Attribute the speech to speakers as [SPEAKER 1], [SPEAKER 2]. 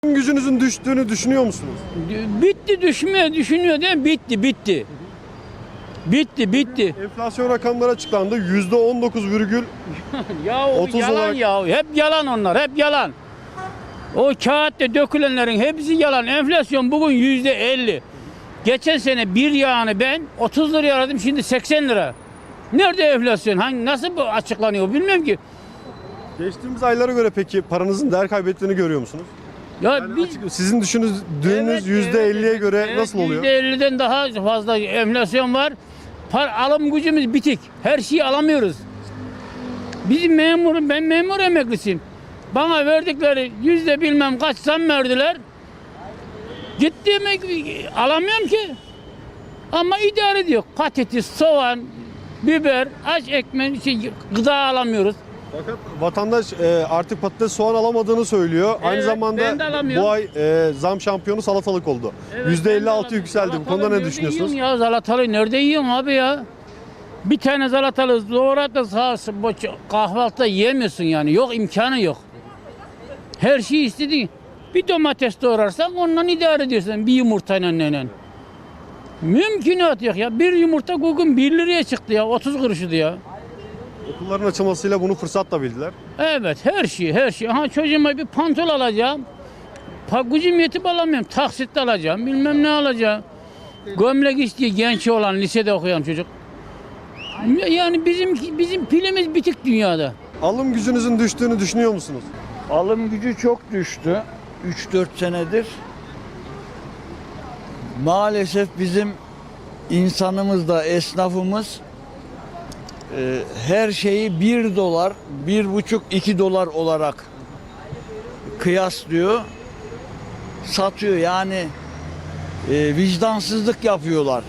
[SPEAKER 1] Gücünüzün düştüğünü düşünüyor musunuz?
[SPEAKER 2] Bitti, düşünüyor değil mi? Bitti. Bitti.
[SPEAKER 1] Enflasyon rakamları açıklandı. %19,30
[SPEAKER 2] Ya o yalan
[SPEAKER 1] olarak...
[SPEAKER 2] ya. Hep yalan onlar. Hep yalan. O kağıtta dökülenlerin hepsi yalan. Enflasyon bugün %50. Geçen sene bir yağını ben 30 liraya aradım, şimdi 80 lira. Nerede enflasyon? Nasıl bu açıklanıyor bilmiyorum ki.
[SPEAKER 1] Geçtiğimiz aylara göre peki paranızın değer kaybettiğini görüyor musunuz?
[SPEAKER 2] Ya
[SPEAKER 1] Yani sizin düşündüğünüz %50'ye göre nasıl oluyor?
[SPEAKER 2] %50'den daha fazla enflasyon var. Alım gücümüz bitik. Her şeyi alamıyoruz. Ben memur emeklisiyim. Bana verdikleri bilmem kaç zam verdiler. Gittiğimi alamıyorum ki. Ama idare ediyor. Patates, soğan, biber, aç ekmek, gıda alamıyoruz.
[SPEAKER 1] Fakat vatandaş artık patates, soğan alamadığını söylüyor. Aynı
[SPEAKER 2] Evet,
[SPEAKER 1] zamanda
[SPEAKER 2] ben de alamıyorum.
[SPEAKER 1] bu ay zam şampiyonu salatalık oldu.
[SPEAKER 2] Evet,
[SPEAKER 1] %56 yükseldi. Bu konuda ne
[SPEAKER 2] nerede
[SPEAKER 1] düşünüyorsunuz?
[SPEAKER 2] yiyorsun ya salatalığı nerede yiyorsun abi ya? Bir tane salatalığı doğrat da kahvaltıda yiyemiyorsun yani. Yok, imkanı yok. Her şeyi istediğin. Bir domates doğrarsan ondan idare ediyorsun bir yumurtayla neyle. Mümkünat yok ya. Bir yumurta bugün 1 liraya çıktı ya. 30 kuruşuydu ya.
[SPEAKER 1] Okulların açılmasıyla bunu fırsat da bildiler.
[SPEAKER 2] Evet, her şey. Aha, çocuğuma bir pantol alacağım. Gücüm yetip alamıyorum. Taksitle alacağım. Bilmem ne alacağım. Gömlek istiyor genç olan, lisede okuyan çocuk. Yani bizim pilimiz bitik dünyada.
[SPEAKER 1] Alım gücünüzün düştüğünü düşünüyor musunuz?
[SPEAKER 3] Alım gücü çok düştü. 3-4 senedir. Maalesef bizim insanımız da esnafımız her şeyi 1 dolar, 1,5-2 dolar olarak kıyaslıyor. Satıyor yani vicdansızlık yapıyorlar.